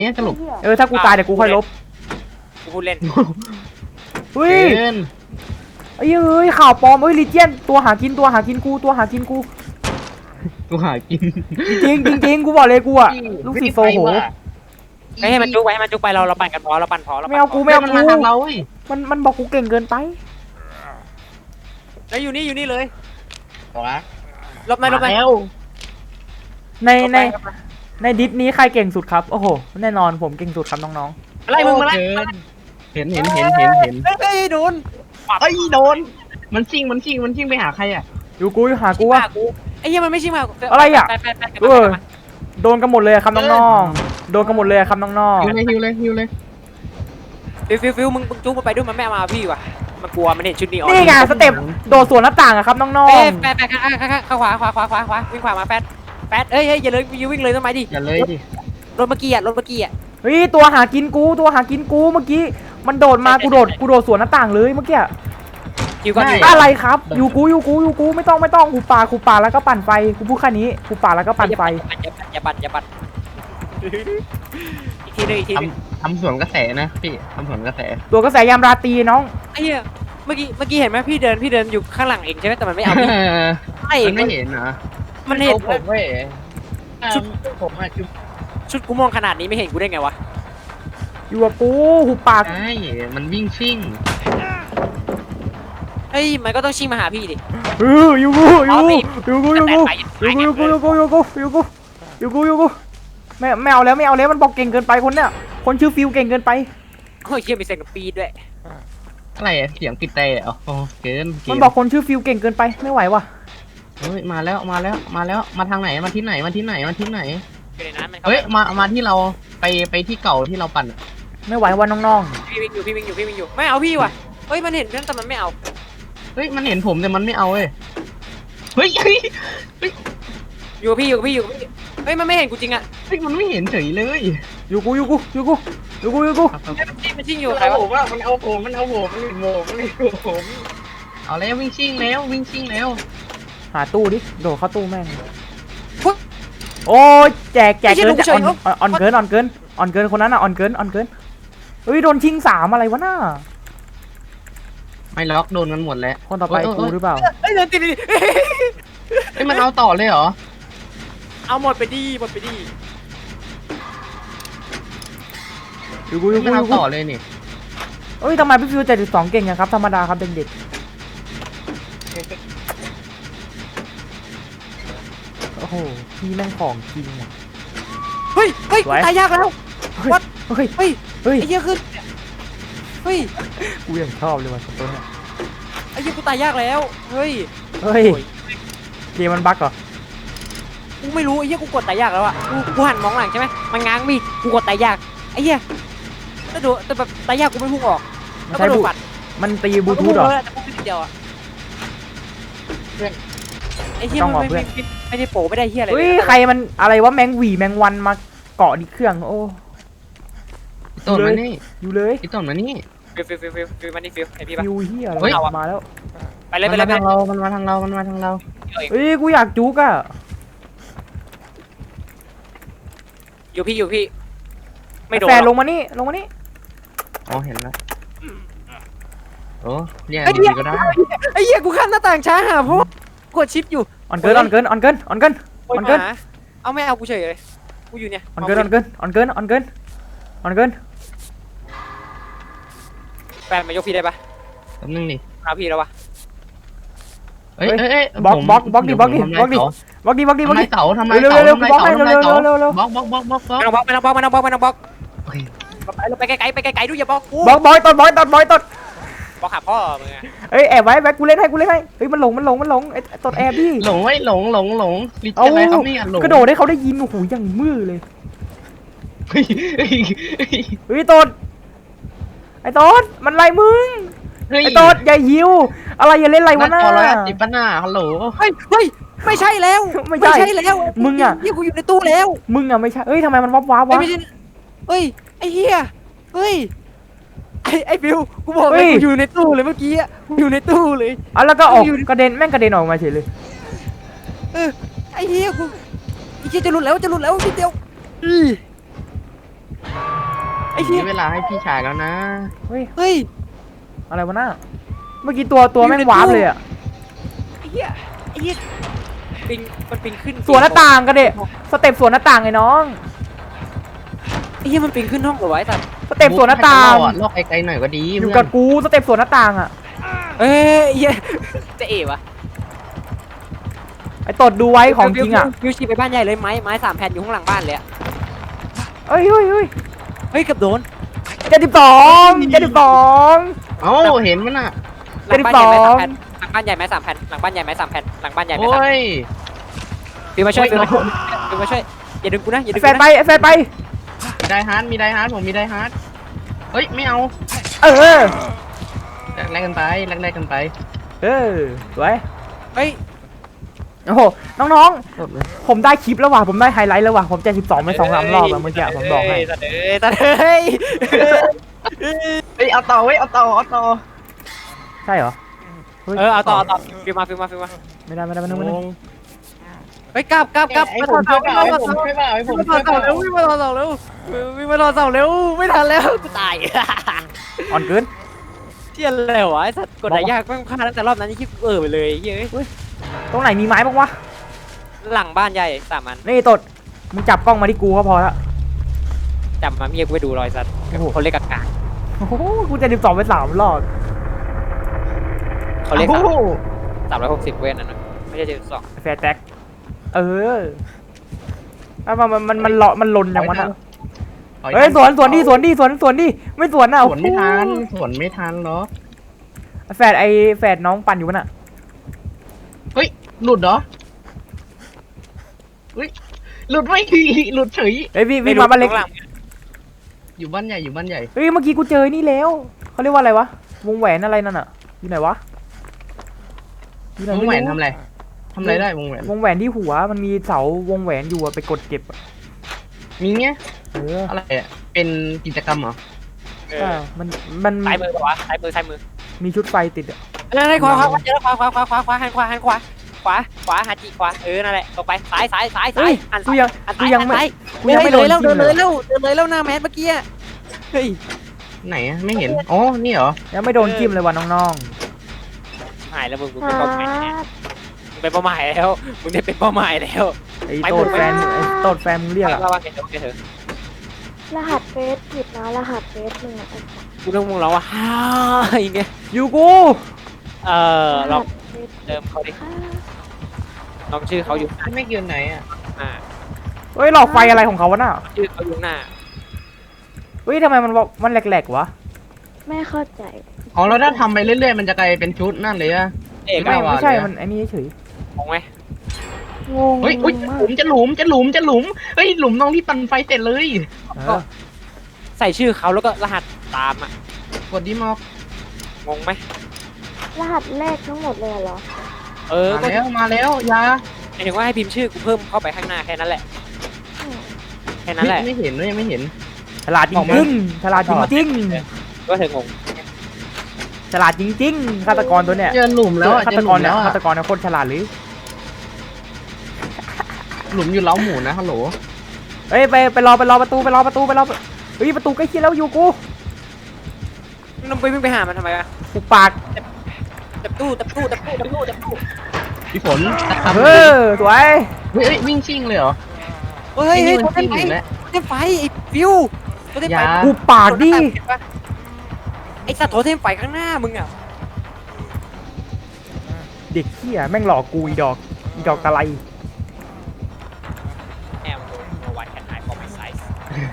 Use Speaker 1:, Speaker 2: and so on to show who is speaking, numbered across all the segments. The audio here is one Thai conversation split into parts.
Speaker 1: เนี่ยสรุป
Speaker 2: ถ้ากูตายเดี๋ยวกูค่อยลบ
Speaker 3: กูพูดเล่น
Speaker 2: เฮ้ย
Speaker 1: เกิน
Speaker 2: เอ้ยข่าวปลอมลีเจียนตัวหากินกูตัวหากินกู
Speaker 1: กูหากิน
Speaker 2: จริงกูบอกเลยกูอะลูกศิษย์โซโห
Speaker 3: ให้มันจุกไปให้มันจุกไปเราปั่นกันพอเราปั่นพอ
Speaker 2: ไม่เอากู
Speaker 1: มันมาทางเราเว้ย
Speaker 2: มันบอกกูเก่งเกินไป
Speaker 3: แล้วอยู่นี่เลย
Speaker 1: บอกนะ
Speaker 3: ลบไหม
Speaker 1: แล้ว
Speaker 2: ในดิสนี้ใครเก่งสุดครับโอ้โหแน่นอนผมเก่งสุดครับน้อง
Speaker 3: ๆอะไรมึงมาแล้ว
Speaker 1: เห็น
Speaker 3: เฮ้ยโดน
Speaker 1: โดนมันชิงไปหาใครอ่ะ
Speaker 2: อยู่กูหากูวะ
Speaker 3: ไอ้เหี้ยมันไม่ชิงมา
Speaker 2: อะไรอ่ะโดนกันหมดเลยครับน้องๆโดนกันหมดเลยครับน้องๆ
Speaker 1: ฮิวเลย
Speaker 3: ฟิวมึงจุกไปด้วยมันไม่มาพี่ว่ะมันกลัวมันเห็นชุดนี้
Speaker 2: นี่ไงสเต็ปโดดสวนหน้าต่างอะครับน้อง
Speaker 3: ๆแปดข้าขวาวิ่งขวามาแปดเอ้ยอย่าเลยวิ่งเลยทำไมดิ
Speaker 1: อย่าเลยดิ
Speaker 3: รถเมื่อกี้อ่ะ
Speaker 2: เฮ้ยตัวหากินกูเมื่อกี้มันโดดมากูโดดสวนหน้าต่างเลยเมื่อกี้อะไรครับอยู่กูไม่ต้องกูป่าแล้วก็ปั่นไฟกูพูดแค่นี้กูป่าแล้วก็ปั่นไฟ
Speaker 3: อย่าปั่นอีกทีนึง
Speaker 1: ทำสวนกระแสนะพี่ทำสวนกระแส
Speaker 2: ตัวกระแสยามราตรีน้อง
Speaker 3: ไอ้เหี้ยเมื่อกี้เห็นไหมพี่เดินอยู่ข้างหลังเองใช่ไหมแต่มันไม่เอา
Speaker 1: ไม่เห็นนะ
Speaker 3: มันเห็น
Speaker 1: ผมเว้ยชุดผม
Speaker 3: ชุดกูมองขนาดนี้ไม่เห็นกูได้ไงวะ
Speaker 2: อยู่กับกูหูปาก
Speaker 1: ใช่มันวิ่งชิ่ง
Speaker 3: เฮ้ยมันก็ต้องชิ่งมาหาพี่ดิ
Speaker 2: อยู่กูไม่เอาแล้วมันบอกเก่งเกินไปคนเนี้ยคนชื่อฟิวเก่งเกินไป
Speaker 3: โอ้ยเชี่ยมีเสียงปีดด้วย
Speaker 1: อะไรเสียงปิดแต่โอ้เกิน
Speaker 2: มันบอกคนชื่อฟิวเก่งเกินไปไม่ไหวว่ะ
Speaker 1: เฮ้ยมาแล้วมาทางไหนมาที่ไหนเฮ้ยมาที่เราไปที่เก่าที่เราปั่น
Speaker 2: ไม่ไหวว่ะน้อง
Speaker 3: ๆพี่วิ่งอยู่ไม่เอาพี่ว่ะเฮ้ยมันเห็นเพื่อนแต่มันไม่เอา
Speaker 1: เฮ้ยมันเห็นผมแต่มันไม่เอาเฮ้ย
Speaker 3: อยู่พี่เฮ้ยมันไม่เห็นกูจริงอ่ะ
Speaker 1: เฮ้ยมันไม่เห็นเฉยเลย
Speaker 2: อยู่กู
Speaker 3: มันชิ่งอยู่ใครวะ
Speaker 1: มันเอาผมมันเห็นผมเอาแล้ววิ่งชิ่งแล้ว
Speaker 2: หาตู้ดิโดดเข้าตู้แม่งโอ้ยแจกเกินออนเกินคนนั้นอ่ะออนเกินเฮ้ยโดนชิง3อะไรวะน่า
Speaker 1: ไม่ล็อกโดนกันหมดแล้ว
Speaker 2: คนต่อไปกูหรือเปล่า
Speaker 3: เฮ้ยเดินติด
Speaker 1: เฮ้ยมันเอาต่อเลยเหรอ
Speaker 3: เอาหมดไปดิ
Speaker 2: อยู่กู
Speaker 1: มันเอาต่อเลยนี่
Speaker 2: เฮ้ยทำไมพี่ฟิว72เก่งอย่างครับธรรมดาครับเด็กโอ้โหพี่แม่งของจริงอ่ะ
Speaker 3: เฮ้ยตายยากแล้ววัด
Speaker 2: เฮ้ยไอ้
Speaker 3: เหี้ยขึ้นเฮ้ย
Speaker 2: กูยังชอบเลยว่ะตัวเนี้ย
Speaker 3: ไอ้เหี้ยกูตายยากแล้วเฮ้ย
Speaker 2: เกมมันบั๊กเหรอ
Speaker 3: กูไม่รู้ไอ้เหี้ยกูกดตายยากแล้วอ่ะกูหันมองหลังใช่ไหมมันง้างมีกูกดตายยากไอ้เหี้ยแต่แบบตายยากกูไม่พุ่งออก
Speaker 2: ใช่บุมันตีบลูทูธเหรอ
Speaker 3: เดียวอ่ะไอ้เหี้ยมันไม่ได้โผล่ไม่ได้เหี้ยอะไร
Speaker 2: เฮ้ยใครมันอะไรวะแมงหวีแมงวันมาเกาะดิเครื่องโอ้
Speaker 1: ต้นมานี่
Speaker 2: อยู่เลย
Speaker 1: ต้นมานี่
Speaker 3: ฟิวมานี่ฟิวไอพี่ปะ
Speaker 2: ฟิวเฮียอะไรมาแล้ว
Speaker 3: ไปเลยมันมาทาง
Speaker 1: เรา
Speaker 2: เฮ้ยกูอยากจุกอ่ะ
Speaker 3: อยู่พี่ไม่โดน
Speaker 2: แฟนลงมานี่
Speaker 1: อ๋อเห็นแล้วโอ้เรียกดีก็ได้
Speaker 3: ไอ้เหี้ยกูข้ามหน้าต่างช้าหาเพราะกดชิปอยู่
Speaker 2: ออนเกิน
Speaker 3: เอาไม่เอากูเฉยเลยกูอยู่เนี่ย
Speaker 2: ออนเกิน
Speaker 3: แฟนมายกพี่ได้ปะ
Speaker 1: แป๊บนึงดิ
Speaker 3: เอาพี่แล้ววะ
Speaker 1: เฮ้ย
Speaker 2: บล็อกดิทำไม
Speaker 1: เต๋าบล็อก
Speaker 3: ไม่ต้องบล็อกไปไกลดูอย่าบล็อกกู
Speaker 2: บอยตดบ
Speaker 3: หาพ่อมึง
Speaker 2: เอ้ยแอบไว้แบ็คกูเล่นให้เฮ้ยมันหลงไอ้ตดแอบดิ
Speaker 1: หลงอะไรครับนี่หลง
Speaker 2: กระโดดให้เขาได้ยินโอ้โหอย่างมือเลยเฮ้ยตดไอ้ตดมันไล่มึงไอ้ตดอย่าหิวอะไรอย่าเล่นไรวะหน้า
Speaker 1: ติดปัญหาฮัลโหล
Speaker 3: เฮ้ยไม่ใช่แล้ว
Speaker 2: มึงอ่ะ
Speaker 3: กูอยู่ในตู้แล้ว
Speaker 2: มึงอ่ะไม่ใช่เฮ้ยทำไมมันวับวะ
Speaker 3: เฮ้ยไอ้เหี้ยเฮ้ยไอ้บิวกูบอกเลยกูอยู่ในตู้เลยเมื่อกี้กูอยู่ในตู้เลย
Speaker 2: แล้วก็ออกกระเด็นแม่งกระเด็นออกมาเฉยเลย
Speaker 3: ไอ้เหี้ยกูไอ้เหี้ยจะหลุดแล้วนิดเดียว
Speaker 1: มีเวลาให้พี่ชายแล้วนะ
Speaker 2: เฮ้ย
Speaker 3: เฮ้ย
Speaker 2: อะไรวะน่าเมื่อกี้ตัวแม่งวาร์ปเลยอะ
Speaker 3: ไอ้เหี้ยปิงมันปิงขึ้น
Speaker 2: สวนหน้าต่างกันเด็สเต็ปสวนหน้าต่างไงน้อง
Speaker 3: ไอ้เหี้ยมันปิงขึ้นห้องเหรอวะไอ้สัตว์
Speaker 2: สเต็ปสวนหน้าต่าง
Speaker 1: ลอกไกลๆหน่อยก็ดี
Speaker 2: อยู่กับกูสเต็ปสวนหน้าต่างอะ
Speaker 3: เอ้ยเหี้ยจะเอ๋วะ
Speaker 2: ไอ้ตดดูไว้ของจริงอะ
Speaker 3: วิวชีไปบ้านใหญ่เลยไม้3 แผ่นอยู่ข้างหลังบ้านเลยอะ
Speaker 2: เฮ้ย
Speaker 3: เฮ้ยเกือบโดน
Speaker 2: 72
Speaker 1: เอ้าเห็นมันอ่ะ
Speaker 3: หลังบ้านใหญ่ไม้3 แผ่นหลังบ้านใหญ่ไม้3 แผ่นหลังบ้านใหญ่ไม้3 แผ่นหลังบ้านใหญ่ไม้
Speaker 1: โอ้
Speaker 3: 3 แผ่น
Speaker 1: ย
Speaker 3: ฟิวมาช่วยฟิวมาช่วยอย่าดึงกูนะอย่าดึง
Speaker 2: แฟ
Speaker 3: กู
Speaker 2: นไป
Speaker 3: นะ
Speaker 2: ไอ้แฟนไป
Speaker 1: มีไดฮาร์ดผมมีไดฮาร์ดเฮ้ยไม่เอา
Speaker 2: เออ
Speaker 1: แลกกันไปแลกกันไป
Speaker 2: สวย
Speaker 3: เฮ้ย
Speaker 2: โอ้โหน้อง
Speaker 1: สดเลย
Speaker 2: ๆผมได้คลิปแล้วว่ะผมได้ไฮไลท์แล้วว่ะผม72ไป2-3 รอบอะเมื่อกี้ผมบอกให้
Speaker 3: ตัดเฮ้ย
Speaker 1: เฮ้ยเอาต่อเอาต่อ
Speaker 2: ใช่เหรอ
Speaker 3: เอาต่อฟิวมา
Speaker 2: ไม่ได้
Speaker 3: เฮ้ยกลับ
Speaker 1: ให้ผมช่วยเปล่าให้ผมช่วยเปล่า
Speaker 3: วิ่งมาถอดเสาเร็ววิ่งมาถอดเสาเร็วไม่ทันแล้วกูตาย
Speaker 2: อ่อนเกิน
Speaker 3: เที่ยแล้ววะไอ้สัตว์กดไหนยากแม่งพลาดตั้งแต่รอบนั้นนี่คิดไปเลยเฮ้ย
Speaker 2: ตรงไหนมีไม้บ้างวะ
Speaker 3: หลังบ้านใหญ่3 อัน
Speaker 2: นี่ตดมึงจับกล้องมาที่กูก็พอละ
Speaker 3: จำมาเมียกูไปดูรอยสัตว์เขาเรียกกากา
Speaker 2: โอ้โหกู72ไป3 รอบ
Speaker 3: เขาเรียก360เว้นนั่นนะไม่ใช่72
Speaker 2: แฟร์แท็กแล้วมันลนอย่างวะน่ะเฮ้ยสวนดิไม่สวนอ่ะ
Speaker 1: สวนไม่ทันหรอ
Speaker 2: แฟดน้องปั่นอยู่วะน่ะ
Speaker 1: เฮ้ยหลุดเหรอเฮ้ยหลุดไม่หลุดเฉย
Speaker 2: เฮ้ยวิ่งมาบ้านเล็ก
Speaker 1: อยู่บ้านใหญ่
Speaker 2: เฮ้ยเมื่อกี้กูเจอนี่แล้วเขาเรียกว่าอะไรวะวงแหวนอะไรนั่นอ่ะอยู่ไหนวะ
Speaker 1: วงแหวนทำอะไรได้วงแหวน
Speaker 2: วงแหวนที่หัวมันมีเสาวงแหวนอยู่อะไปกดเก็บอะ
Speaker 1: มีเงี้ย
Speaker 2: อะไร
Speaker 1: อ่ะเป็นกิจกรรมเหรอ
Speaker 2: มัน
Speaker 3: ซ้ายมือปะวะซ้ายมือ
Speaker 2: มีชุดไฟติดอะ
Speaker 3: นั่นขวาเจอขวาหันขวาหาจีขวานั่นแหละตรงไปซ้ายหัน
Speaker 2: กูยังไม่โดน
Speaker 3: เดิ
Speaker 2: จิ้ม
Speaker 3: น
Speaker 2: เล
Speaker 3: เลย ยแล้วหน้าแมสเมื่อกี้เฮ้ย
Speaker 1: ไหนอ่ะไม่เห็นอ๋อนี่เหรอ
Speaker 2: ยังไม่โดนจิ้มเลยว่ะน้อง
Speaker 3: หายแล้วมึงเป็นเป้าหมายเป็นเป้าหมายแล้วมึงได้เป็นเป้าหมายแล้ว
Speaker 2: ๆไอ้โตดแฟนมึงเรียกอะ
Speaker 3: ว่าเถอะ
Speaker 4: รหัสเฟซผิดนะรหัสเฟซมึงอะ
Speaker 3: กูต้องมึงร้องว่าฮ่าอย่างเงี้ย
Speaker 2: อยู่กู
Speaker 3: ลองเติมเขาดิลองชื่อเขาอยู่
Speaker 1: ไม่เกี่ยวไหนอ่ะ
Speaker 2: เฮ้ยหลอกไฟอะไรของเขาวะน่ะ
Speaker 3: ชื่อเขาอยู่หน้า
Speaker 2: เฮ้ยทำไมมันแหลกๆวะ
Speaker 4: ไม่เข้าใจ
Speaker 1: อ๋อแล้วถ้าทำไปเรื่อยๆมันจะกลายเป็นชุดนั่นเลยอ่ะ
Speaker 3: เอก
Speaker 2: ไม่ใช่มันไอ้นี่เฉย
Speaker 3: งงไหม
Speaker 4: งง
Speaker 1: เฮ้ย
Speaker 4: มาก
Speaker 1: เฮ้ยหลุมเฮ้ยหลุมตรงที่ปั่นไฟเสร็จเลย
Speaker 3: ใส่ชื่อเขาแล้วก็รหัสตามอ่ะ
Speaker 1: กดดิมอก
Speaker 3: งงไหม
Speaker 4: รหัสแรกทั้งหมดเลยเหรอ
Speaker 1: มาแล้วยา
Speaker 3: หมายถึงว่าให้พิมพ์ชื่อกูเพิ่มเข้าไปข้างหน้าแค่นั้นแหละ
Speaker 4: อืม
Speaker 3: แค่นั้นแหละ
Speaker 1: ไม่เห็นไม่เห็น
Speaker 2: ฉลาดจริงๆฉลาดจริง
Speaker 3: ก็เธองง
Speaker 2: ๆฉลาดจริงๆฆาตกรตัวเนี้ย
Speaker 1: เจอหลุมแล้ว
Speaker 2: ฆาตกรเนี่ยฆาตกรเนี่ยโคตรฉลาดเลย
Speaker 1: หลุมอยู่เล้าหมูนะฮัลโหล
Speaker 2: เฮ้ยไปรอประตูเฮ้ยประตูใกล้เคียงแล้วอยู่กู
Speaker 3: มึงไปวิ่งไปหามันทำไมวะ
Speaker 2: ปุกปาก
Speaker 3: จับตู้
Speaker 1: พี่ฝน
Speaker 2: สวย
Speaker 1: เฮ้ยวิ่งชิ่งเลยเหรอ
Speaker 3: เฮ้ย
Speaker 1: มัน
Speaker 3: เต้
Speaker 1: ชิ่
Speaker 3: น
Speaker 1: ง
Speaker 3: ไฟ
Speaker 1: อยู่แล้ว
Speaker 3: เต้นไฟไอ้ฟิวเต้นไฟ
Speaker 2: ปุกปากดิ
Speaker 3: ไอ้สัตว์โถเต้นไฟข้างหน้ามึงอ่ะ
Speaker 2: เด็กเหี้ยแม่งหลอกกูอีดอกตะไล
Speaker 3: แอมโนวันแคนไอฟอร์มไซส์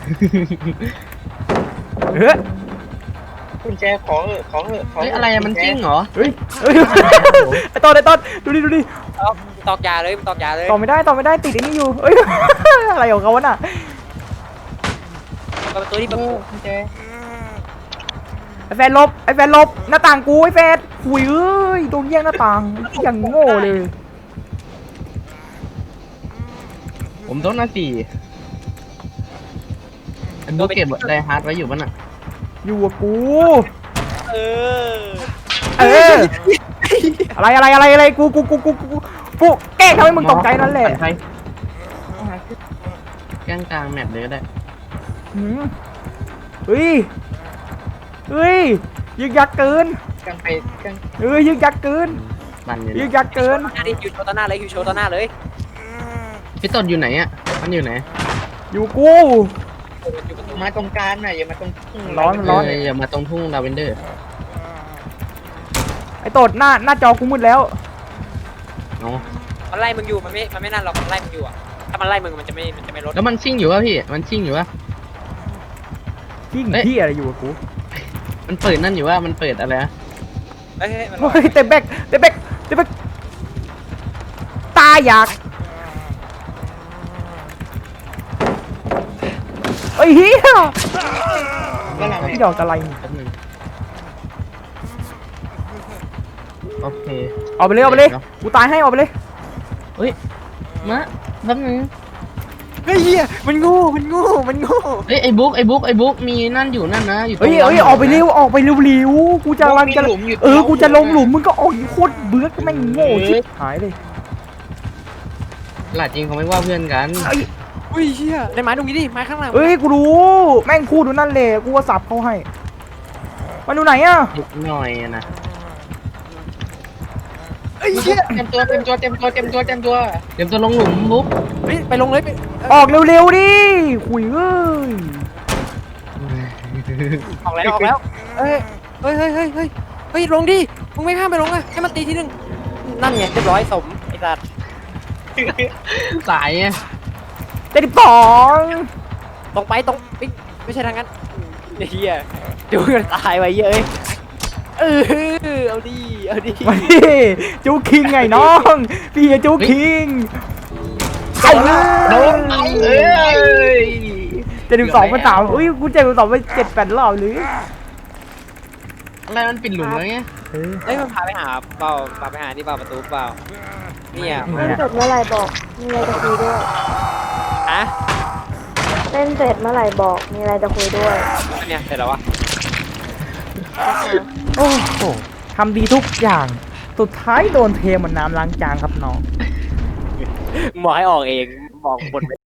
Speaker 1: กุญแจขอเฮ้ยอะไรมันจิ้งเหรอ
Speaker 2: เฮ้ยไอ้ต้นดูดิ
Speaker 3: ตอกยาเลยตอกยาเลย
Speaker 2: ต่อไม่ได้ติดไอ้นี่อยู่เอ้ยอะไรของเขาวะน่ะ
Speaker 3: ประตูที่ประตู
Speaker 1: กุญแจ
Speaker 2: ไอ้แฟนลบหน้าต่างกูไอ้แฟนหุยเอ้ยโดนแย่งหน้าต่างอย่างโง่เลย
Speaker 1: ผมโดนหน้า4ดูเก็บไดฮาร์ดไว้อยู่ป่ะน่ะ
Speaker 2: อยู่กับกู
Speaker 3: เออ
Speaker 2: อะไรกูแกล้งทำให้มึงตกใจนั่นแหละ
Speaker 1: แกล้งกลางแมปเลยก็ได้
Speaker 2: หืมเฮ้ยเฮ้ยยึกยักเกิน
Speaker 1: กันไปกัน
Speaker 2: เฮ้ยยึกยักเกิน
Speaker 1: มันอยู่
Speaker 2: ยึก
Speaker 1: นะ
Speaker 2: ยักเกิน
Speaker 3: คิวโชว์ต่อหน้าเลยคิวโชว์ต่อหน้าเลย
Speaker 1: พี่ต้นอยู่ไหนอ่ะมันอยู่ไหน
Speaker 2: อยู่กู
Speaker 1: มาตรงกลางหน่อยอย่ามาตรงทุ่ง
Speaker 2: ร้อน
Speaker 1: อย่ามาตรงทุ่งลาเวนเดอร์
Speaker 2: ไอ้โตดหน้าจอกูมืดแล้ว
Speaker 1: เนาะ
Speaker 3: มันไล่มึงอยู่มันไม่นั่นหรอกมันไล่มึงอยู่อ่ะถ้ามันไล่มึงมันจะไม่ลด
Speaker 1: แล้วมันชิ่งอยู่วะพี่มันชิ่งอยู่วะ
Speaker 2: ยิ่ง
Speaker 1: เอ๊ะ
Speaker 2: ที่อะไรอยู่กับกู
Speaker 1: มันเปิดนั่นอยู่ว่ามันเปิดอะไรนะ
Speaker 3: เฮ้ยมัน
Speaker 2: เฮ้ยเต็มแบกตาอยากไอ้เหี้ย
Speaker 1: ก็เรา
Speaker 2: พี่ดอกอะไรนี่
Speaker 1: แป๊บนึงโอเค
Speaker 2: เอาไปเลยกูตายให้เอาไปเลย
Speaker 1: เฮ้ยมาแป๊บนึง
Speaker 3: เฮ้ยเฮียมันงู
Speaker 1: เฮ้ยไอ้บุ๊กมีนั่นอยู่นั่นนะอยู่ตรง
Speaker 2: เฮ้ย
Speaker 1: นั้น
Speaker 2: ออกไปเร็วกูจะรังจะกูจะลงหลุมมึงก็ออกโคตรเบื่อก็แม่งโง่ชิบหายเลย
Speaker 1: หลาดจริงเขาไม่ว่าเพื่อนกัน
Speaker 3: เฮ้ยเฮียในไม้ตรงนี้ดิไม้ข้างหลัง
Speaker 2: เอ้ยกูรู้แม่งพูดดูนั่นเลยกูว่าสับเขาให้มันดูไหนอะ
Speaker 1: นิดหน่อยอะนะ
Speaker 3: เฮ้ยเฮีย
Speaker 1: เต็มตัวลงหลุมบุ๊ก
Speaker 3: เฮ้ยไปลงเลยไป
Speaker 2: ออกเร็วๆดิคุยเอ้ย
Speaker 3: ออกแล้วเฮ้ยลงดิมึงไม่ข้ามไปลงอ่ะให้มันตีทีนึงนั่นไงเรียบร้อยสมไอ้สัตว์
Speaker 1: สายไง
Speaker 2: 72
Speaker 3: ตรงไปตรงไม่ใช่ทางนั้นเฮียดูกันตายไปเยอะเอาดิ
Speaker 2: มาดิจูคิงไงน้องพี่จูคิงไอ้
Speaker 1: โดนไปเอ้ย
Speaker 2: 72เป็น3อุ้ยกู72ไป7-8 รอบหรือ
Speaker 1: อะไรมันปิดหลุมแล้วไง
Speaker 2: เออ
Speaker 3: เฮ้ยมันพาไปหาเปล่าพาไปหาที่เปล่าประตูเปล่าเนี่ย
Speaker 4: เล่นเสร็จเมื่อไหร่บอก มีอะไรจะคุยด้วย
Speaker 3: ฮะ
Speaker 4: เล่นเสร็จเมื่อไหร่บอก มีอะไรจะคุยด้วย
Speaker 3: เนี่ยเสร็จแล้ววะ
Speaker 2: โอ้โหทำดีทุกอย่างสุดท้ายโดนเทเหมือนน้ำล้างจานครับน้อง
Speaker 3: บอกให้ออกเองบอกบน